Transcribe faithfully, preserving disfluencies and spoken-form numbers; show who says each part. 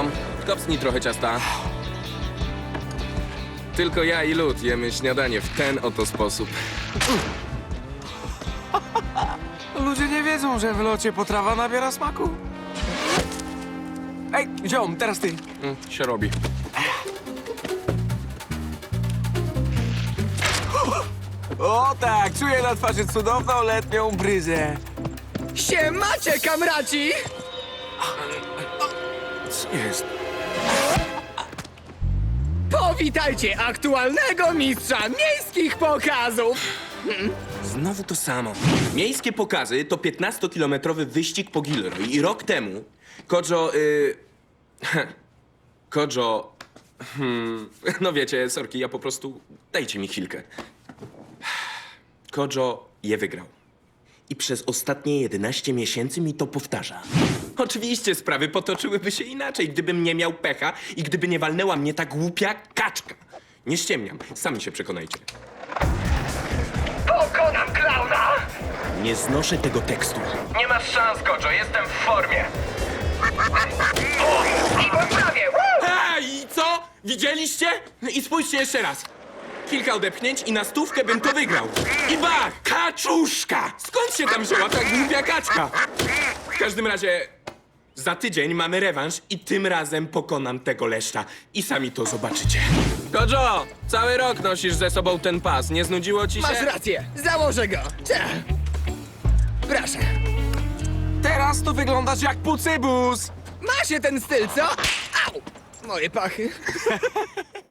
Speaker 1: ziom, kopsnij trochę ciasta. Tylko ja i lód jemy śniadanie w ten oto sposób.
Speaker 2: Ludzie nie wiedzą, że w locie potrawa nabiera smaku. Ej, ziom, teraz ty.
Speaker 1: Mm, się robi.
Speaker 2: O tak, czuję na twarzy cudowną letnią bryzę.
Speaker 3: Siemacie, kamraci!
Speaker 2: Co jest?
Speaker 3: Powitajcie aktualnego mistrza miejskich pokazów!
Speaker 1: Znowu to samo. Miejskie pokazy to piętnastokilometrowy wyścig po Gilroy i rok temu Kojo... Y... Kojo... Hmm, no wiecie, sorki, ja po prostu... Dajcie mi chwilkę. Kojo je wygrał. I przez ostatnie jedenaście miesięcy mi to powtarza. Oczywiście sprawy potoczyłyby się inaczej, gdybym nie miał pecha i gdyby nie walnęła mnie ta głupia kaczka. Nie ściemniam, sami się przekonajcie.
Speaker 3: Pokonam klauna!
Speaker 1: Nie znoszę tego tekstu.
Speaker 4: Nie masz szans, Kojo, jestem w formie.
Speaker 3: I poprawię!
Speaker 1: Hej, i co? Widzieliście? No i spójrzcie jeszcze raz. Kilka odepchnięć i na stówkę bym to wygrał. I bach! Kaczuszka! Skąd się tam wzięła ta głupia kaczka? W każdym razie za tydzień mamy rewanż i tym razem pokonam tego leszcza. I sami to zobaczycie. Kojo, cały rok nosisz ze sobą ten pas. Nie znudziło ci się?
Speaker 3: Masz rację, założę go. Cia. Proszę.
Speaker 2: Teraz to wyglądasz jak pucybus.
Speaker 3: Ma się ten styl, co? Au! Moje pachy.